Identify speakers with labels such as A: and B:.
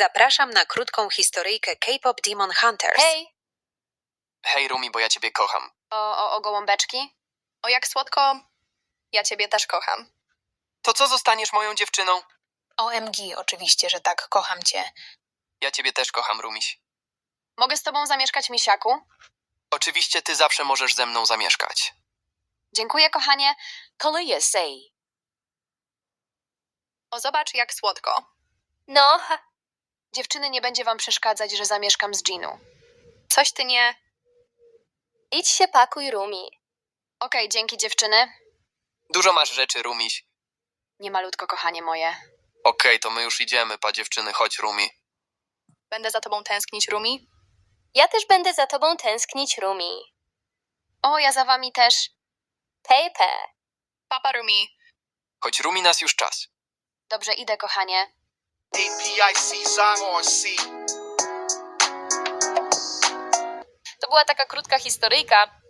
A: Zapraszam na krótką historyjkę K-pop Demon Hunters.
B: Hej!
C: Hej, Rumi, bo ja ciebie kocham.
B: O gołąbeczki? O, jak słodko. Ja ciebie też kocham.
C: To co, zostaniesz moją dziewczyną?
D: OMG, oczywiście, że tak, kocham cię.
C: Ja ciebie też kocham, Rumiś.
B: Mogę z tobą zamieszkać, misiaku?
C: Oczywiście ty zawsze możesz ze mną zamieszkać.
B: Dziękuję, kochanie.
D: Koleję say.
B: O, zobacz, jak słodko.
D: No,
B: Dziewczyny, nie będzie wam przeszkadzać, że zamieszkam z Ginu. Coś ty nie...
D: idź się pakuj, Rumi.
B: Okej, dzięki, dziewczyny.
C: Dużo masz rzeczy, Rumiś.
B: Nie malutko, kochanie moje.
C: Okej, to my już idziemy, pa dziewczyny, chodź, Rumi.
B: Będę za tobą tęsknić, Rumi.
D: Ja też będę za tobą tęsknić, Rumi.
B: O, ja za wami też.
D: Pepe.
B: Papa, Rumi.
C: Choć Rumi nas już czas.
B: Dobrze, idę, kochanie.
E: APIC Zion C.
D: To była taka krótka historyjka.